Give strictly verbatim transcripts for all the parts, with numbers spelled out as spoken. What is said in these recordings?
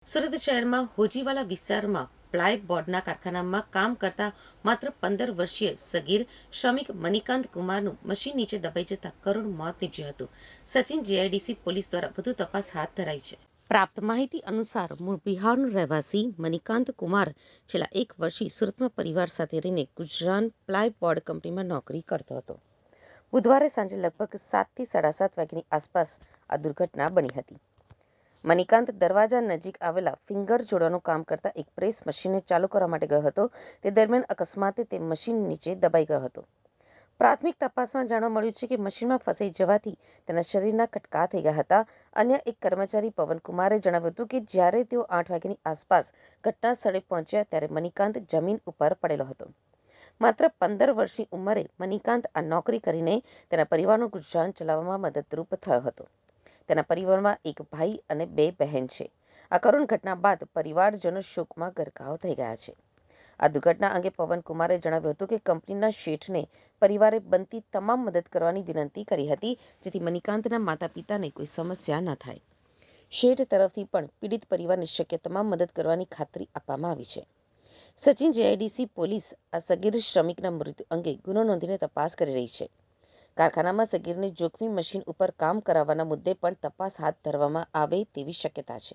સુરત શહેરમાં હોજીવાલા વિસ્તારમાં પ્લાયબોર્ડના કારખાનામાં કામ કરતા માત્ર પંદર વર્ષીય સગીર શ્રમિક મણિકાંત કુમારનું મશીન નીચે દબાઈ જતાં કરુણ મોત નીપજ્યું હતું. સચિન જીઆઈડીસી પોલીસ દ્વારા વધુ તપાસ હાથ ધરાઈ છે. પ્રાપ્ત માહિતી અનુસાર મૂળ બિહારનો રહેવાસી મણિકાંત કુમાર છેલ્લા એક વર્ષથી સુરતમાં પરિવાર સાથે રહીને ગુજરાત પ્લાયબોર્ડ કંપનીમાં નોકરી કરતો હતો. બુધવારે સાંજે લગભગ સાતથી સાડા સાત વાગ્યાની આસપાસ આ દુર્ઘટના બની હતી. મણિકાંત દરવાજા નજીક આવેલા ફિંગર જોડવાનું કામ કરતા એક પ્રેસ મશીનને ચાલુ કરવા માટે ગયો હતો. તે દરમિયાન અકસ્માતે તે મશીન નીચે દબાઈ ગયો હતો. પ્રાથમિક તપાસમાં જાણવા મળ્યું છે કે મશીનમાં ફસાઈ જવાથી તેના શરીરના કટકા થઈ ગયા હતા. અન્ય એક કર્મચારી પવનકુમારે જણાવ્યું હતું કે જ્યારે તેઓ આઠ વાગ્યાની આસપાસ ઘટના સ્થળે પહોંચ્યા ત્યારે મણિકાંત જમીન ઉપર પડેલો હતો. માત્ર પંદર વર્ષની ઉંમરે મણિકાંત આ નોકરી કરીને તેના પરિવારનું ગુજરાન ચલાવવામાં મદદરૂપ થયો હતો. તેના પરિવારમાં એક ભાઈ અને બે બહેન છે. આ કરુણ ઘટના બાદ પરિવારજનો શોકમાં ગરકાવ થઈ ગયા છે. આ દુર્ઘટના અંગે પવનકુમારે જણાવ્યું હતું કે કંપનીના શેઠને પરિવારે બનતી તમામ મદદ કરવાની વિનંતી કરી હતી, જેથી મણિકાંતના માતા પિતાને કોઈ સમસ્યા ન થાય. શેઠ તરફથી પણ પીડિત પરિવારને શક્ય તમામ મદદ કરવાની ખાતરી આપવામાં આવી છે. સચિન જીઆઈડીસી પોલીસ આ સગીર શ્રમિકના મૃત્યુ અંગે ગુનો નોંધીને તપાસ કરી રહી છે. કારખાનામાં સગીરને જોખમી મશીન ઉપર કામ કરાવવાના મુદ્દે પણ તપાસ હાથ ધરવામાં આવે તેવી શક્યતા છે.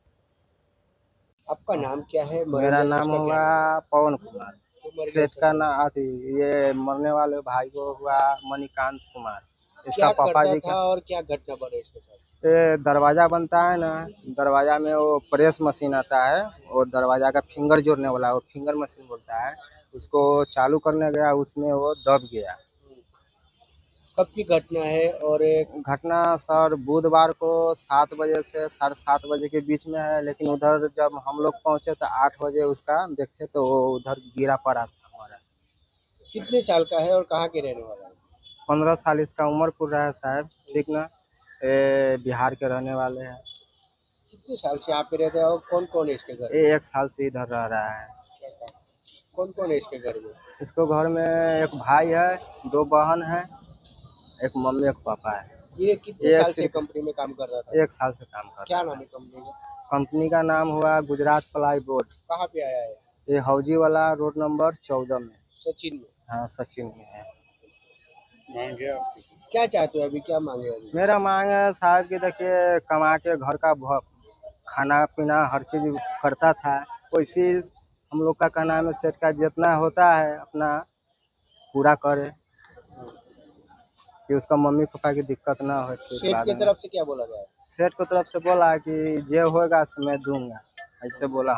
आपका नाम क्या है? मेरा नाम हुआ पवन कुमार। सेठ का नाम आती ये मरने वाले भाई को हुआ मणिकांत कुमार। इसका क्या पापा करता जी था का और क्या घटना बने इसके साथ? ये दरवाजा बनता है ना, दरवाजा में वो प्रेस मशीन आता है, वो दरवाजा का फिंगर जोड़ने वाला वो फिंगर मशीन बोलता है, उसको चालू करने गया, उसमें वो दब गया। कब की घटना है? और एक घटना सर बुधवार को सात बजे से साढ़े सात बजे के बीच में है, लेकिन उधर जब हम लोग पहुंचे तो आठ बजे उसका देखे तो वो उधर गिरा पड़ा था हमारा। कितने साल का है और कहाँ के रहने वाला है? पंद्रह साल इसका उम्र पूर रहा है साहब, ठीक ना। ये बिहार के रहने वाले हैं। कितने साल से आप पे रहते हैं और कौन कौन है इसके घर में? ये एक साल से इधर रह रहा है। कौन कौन है इसके घर में? इसको घर में एक भाई है, दो बहन है, एक मम्मी एक पापा है। ये कितने ये साल से सिर्फ कंपनी में काम कर रहा था? एक साल से काम कर क्या रहा नाम है। है कंपनी का? कंपनी का नाम हुआ गुजरात प्लाई बोर्ड। कहाँ पे आया है? ये हौजी वाला रोड नंबर चौदह में। सचिन में। हाँ सचिन में है। मांगे आपकी क्या चाहते हो अभी? क्या मांगे अभी? मेरा मांग है साहब कि देखिए कमा के घर का भ- खाना पीना हर चीज करता था, वैसे हम लोग का कहना है सेठ का जितना होता है अपना पूरा करे, कि उसका मम्मी पापा की दिक्कत ना हो। फिर सेठ बाद की में तरफ से क्या बोला गया है? सेठ को तरफ से बोला कि जे होगा सो मैं दूंगा, ऐसे बोला।